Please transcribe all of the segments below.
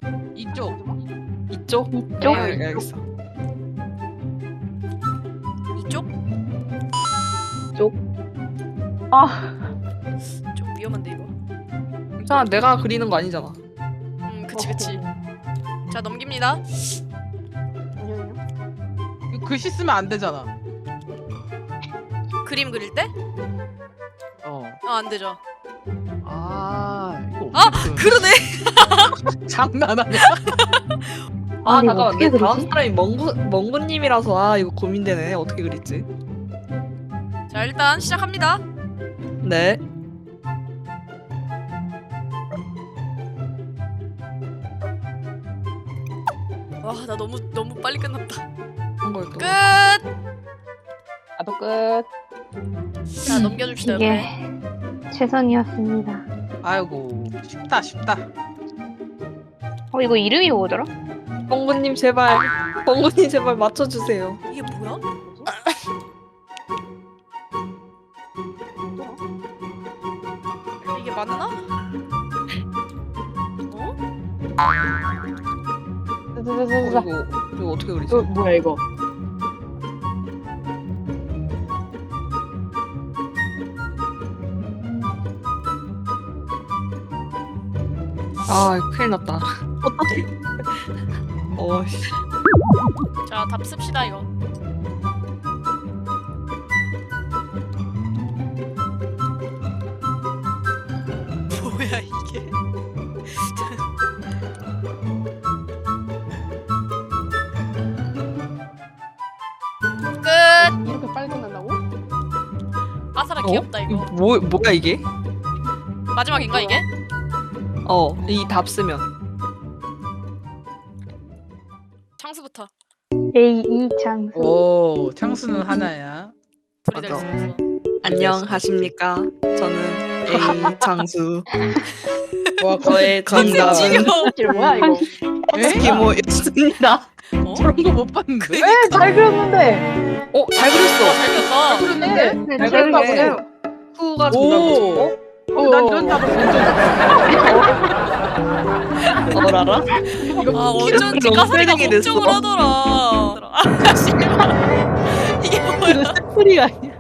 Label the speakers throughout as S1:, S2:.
S1: 이쪽.
S2: 이쪽?
S3: 이쪽?
S2: 알겠어.
S4: 이쪽?
S3: 아,
S4: 좀 위험한데 이거.
S2: 괜찮아, 내가 그리는 거 아니잖아.
S4: 그치. 자 넘깁니다.
S3: 잠시만요.
S1: 이거 글씨 쓰면 안 되잖아.
S4: 그림 그릴 때?
S1: 어.
S4: 안 되죠.
S1: 이거
S4: 아,
S1: 어떻게
S4: 그러네.
S1: 장난 아니야.
S2: 아,
S3: 아니, 이거
S2: 잠깐만.
S3: 어떻게
S2: 내 다음
S3: 그리지?
S2: 사람이 멍구님이라서 이거 고민되네. 어떻게 그릴지.
S4: 자 일단 시작합니다.
S2: 네.
S4: 와 나 너무 빨리 끝났다.
S2: 한 걸까?
S4: 끝.
S3: 나도 끝.
S4: 자 넘겨줍시다.
S3: 이게
S4: 옆에.
S3: 최선이었습니다.
S1: 아이고 쉽다.
S3: 이거 이름이 뭐더라?
S2: 멍구님 제발. 멍구님 제발 맞춰주세요.
S4: 이게 뭐야? 이게 맞나? 어?
S2: 이거 어떻게 그리지?
S3: 뭐야 이거?
S2: 아, 큰일 났다. 어떡해. 씨.
S4: 자 답 씁시다 이거. 뭐야 이게? 끝.
S3: 이렇게 빨리 끝난다고?
S4: 아사라 귀엽다 이거.
S2: 뭐야 이게?
S4: 마지막인가 이게?
S2: 이 답 쓰면.
S4: 창수부터.
S3: A2 장수.
S1: 오 창수는 하나야.
S4: 불이
S2: 맞아.
S4: 있으면서.
S2: 안녕하십니까. 저는 A 장수.
S1: 와
S2: 저의 정답은
S4: 지겨워.
S3: 뭐야 이거?
S2: 스키모였습니다.
S4: 어?
S1: 저런 거 못 봤는데.
S4: 그니까.
S3: 잘 그렸는데.
S2: 잘 그렸어.
S4: 잘 그렸다.
S1: 그랬는데.
S3: 네,
S2: 잘
S3: 잘
S2: 그렸네.
S3: 그렸어요.
S2: 후가
S1: 오.
S2: 정답이죠.
S1: 난 이런 답을 본 적 없어.
S2: 알아?
S4: 아 어쩐지
S2: 너무
S4: 까사리가
S2: 패딩이 됐어.
S4: 걱정을 하더라. 아 씨발. 이게 뭐야?
S2: 소리가 아니야.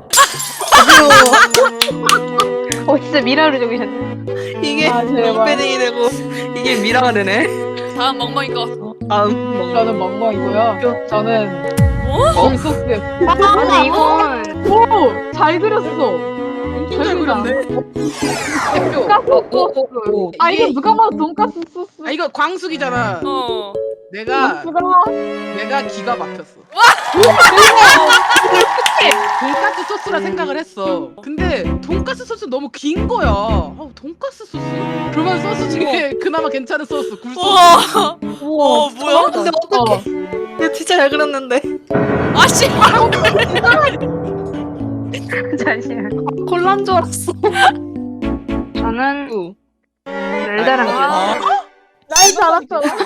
S3: 진짜 미라로 적으셨네.
S2: 이게
S3: 제발.
S2: 롱패딩이 되고 이게 미라가 되네.
S4: 다음 멍멍이 거.
S2: 다음
S5: 저는 멍멍이고요. 저는
S4: 어?
S5: 굴소스.
S3: 아니 이건
S5: 오! 잘 그렸어.
S1: 잘 그렸네. 대표.
S2: 오.
S5: 아 이거 누가 봐도 돈까스 소스.
S1: 아 이거 광숙이잖아.
S4: 어.
S1: 내가
S5: 소스가
S1: 기가 막혔어. 돈까스 소스라 생각을 했어. 근데 돈까스 소스 너무 긴 거야. 돈까스 소스? 그러면 소스 중에 그나마 괜찮은 소스 굴소스.
S4: 우와.
S2: 우와.
S4: 뭐야?
S2: 근데 어떡해. 이거 진짜 잘 그렸는데.
S4: 아 씨발.
S3: 잠시만.
S2: 콜라인 줄 알았어.
S3: 저는 날다랑
S4: 아.
S5: 날 잘았잖아.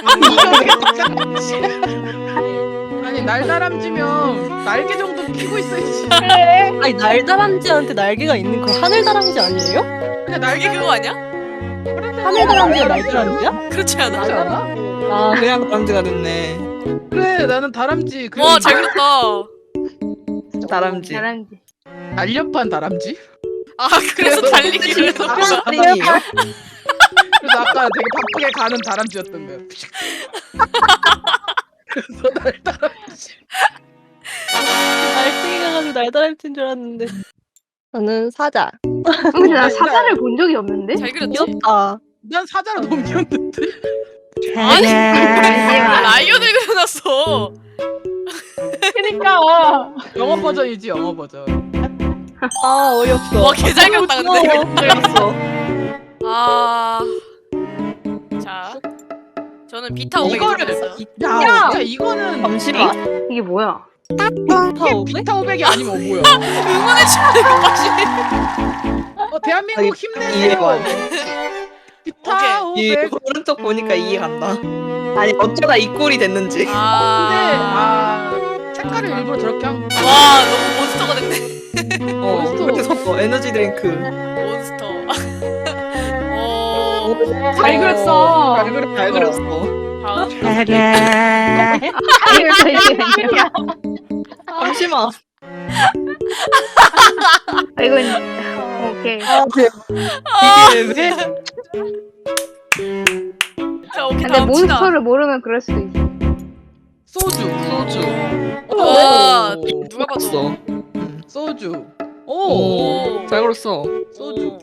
S1: 아니 날다람쥐면 날개 정도 피고 있어야지.
S6: 아니 날다람쥐한테 날개가 있는 그 하늘다람쥐 아니에요?
S1: 그냥
S4: 이게
S1: 날개
S4: 그거 아니야?
S6: 하늘다람쥐가 날다람쥐야?
S4: 그렇지 않아?
S1: 그렇지 않아?
S2: 아, 그냥 다람쥐가 됐네.
S1: 그래 나는 다람쥐.
S4: 와 잘 그렸다.
S2: 다람쥐.
S3: 다람쥐.
S1: 날렵한 다람쥐?
S4: 아 그래서 달리기를 했어.
S2: 아니에요?
S1: 그래서 아까 되게 바쁘게 가는 다람쥐였던 거야. 그래서 날다람쥐.
S6: 날쌘이 가가지고 날다람쥐인 줄 알았는데. 저는 사자.
S3: 근데 나 사자를 본 적이 없는데?
S4: 잘 그렸지?
S6: 귀엽다.
S1: 난 사자로 넘겼는데.
S4: 아니
S3: 잠시만.
S4: 라이언을 그려놨어.
S5: 그니까.
S1: 영어 버전이지 영어 버전.
S6: 아 어이없어.
S4: 와 개 잘 그렸다 근데.
S2: 그렸어.
S4: 아. 자. 저는 비타 오백
S2: 이거를
S4: 그렸어요.
S1: 야, 이거는
S2: 잠시만.
S3: 이게 뭐야?
S1: 비타 500이 아니면 뭐야?
S4: 응원해주는 거 확실히.
S1: 대한민국 힘내세요.
S2: 이해가
S1: 비타
S2: 이
S1: 500.
S2: 오른쪽 보니까 이해간다. 아니 어쩌다 이 꼴이 됐는지.
S1: 근데
S4: 아.
S1: 색깔을 일부러 저렇게 한 거.
S4: 와 너무 몬스터가 됐네.
S2: 그래서 에너지 드링크.
S4: 몬스터. 오.
S5: 잘 그렸어.
S2: 잘 그렸어.
S4: 다음.
S2: 잠시만.
S3: 이건 오케이.
S2: 이게 왜?
S4: 자, 오케이,
S3: 근데
S4: 다음 치다.
S3: 몬스터를 모르면 그럴 수도 있어.
S1: 소주.
S2: 소주.
S4: 와, 누가 봐도.
S2: 없어.
S1: 소주. 오.
S4: 오.
S2: 잘 그렸어.
S1: 소주.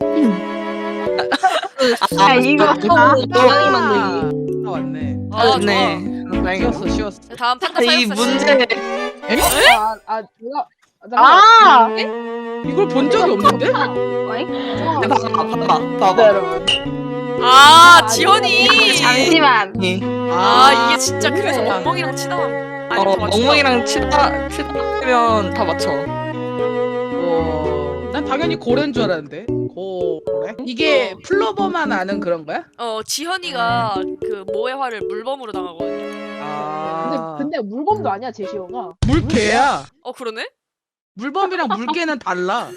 S3: 이거
S2: 고양이 만들기.
S1: 다 왔네.
S4: 아,
S2: 네.
S4: 좋아.
S2: 다행이다.
S1: 쉬웠어, 쉬웠어.
S4: 자, 다음 판타
S2: 이
S4: 사육사
S2: 문제
S4: 씨.
S5: 내가
S1: 아! 이걸 본 적이 없는데?
S2: 봐봐.
S4: 아, 지원이.
S3: 잠시만.
S4: 아, 이게 진짜 그래서 멍멍이랑 치다. 아니, 더 맞추다.
S2: 엉덩이랑 치면 다 맞춰.
S1: 난 당연히 고래인 줄 알았는데. 고래? 이게 플로버만 아는 그런 거야?
S4: 지현이가 그 모의 화를 물범으로 당하거든요.
S1: 아.
S5: 근데 물범도 아니야 제시어가.
S1: 물개야.
S4: 그러네?
S1: 물범이랑 물개는 달라.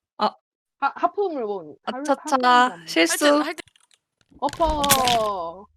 S5: 하프 물범.
S2: 아차차 실수.
S4: 할 때.
S5: 어퍼.